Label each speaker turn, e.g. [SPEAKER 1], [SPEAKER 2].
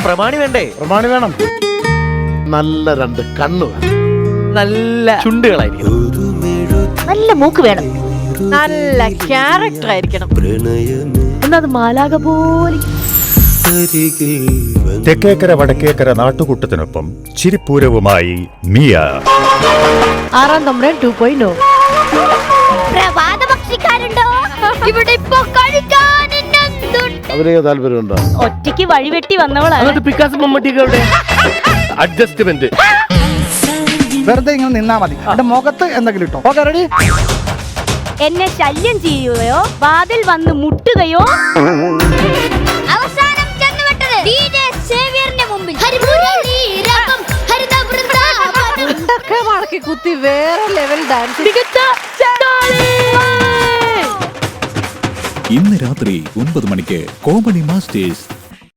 [SPEAKER 1] പ്രമാണി വേണ്ടേ?
[SPEAKER 2] പ്രമാണി വേണം. നല്ല 2 കണ്ണു വേണം.
[SPEAKER 1] നല്ല ചുണ്ടുകളായിരിക്കും.
[SPEAKER 3] നല്ല മൂക്ക് വേണം. നല്ല ക്യാരക്ടർ ആയിരിക്കണം. എന്നത് മാലാക പോലെ.
[SPEAKER 4] തെക്കേക്കര വടക്കേക്കര നാട്ടുകൂട്ടത്തിനൊപ്പം ചിരിപ്പൂരവുമായി മിയ.
[SPEAKER 3] 6ാം തമ്പുരാൻ 2.0.
[SPEAKER 2] അവരെ താല്പര്യമുണ്ടോ?
[SPEAKER 3] ഒറ്റയ്ക്ക് വഴിവെട്ടി വന്നവളാണ്.
[SPEAKER 1] പിക്കാസ് മമ്മൂട്ടിയൊക്കെ എവിടെ? അഡ്ജസ്റ്റ്മെന്റ്.
[SPEAKER 5] വെറുതെ ഇങ്ങനെ നിന്നാ മതി. എന്റെ മുഖത്ത് എന്തെങ്കിലും ഇട്ടോ. Okay, ready?
[SPEAKER 3] എന്നെ ശല്യം ചെയ്യുകയോ വാതിൽ വന്ന് മുട്ടുകയോ
[SPEAKER 6] അവസാനം ചെന്നുവിട്ടത് DJ സേവ്യറിന്റെ മുമ്പിൽ.
[SPEAKER 3] മടക്കി കുത്തി വേറെ ലെവൽ ഡാൻസ്.
[SPEAKER 7] ഇന്ന് രാത്രി 9 മണിക്ക് കോമഡി മാസ്റ്റേഴ്സ്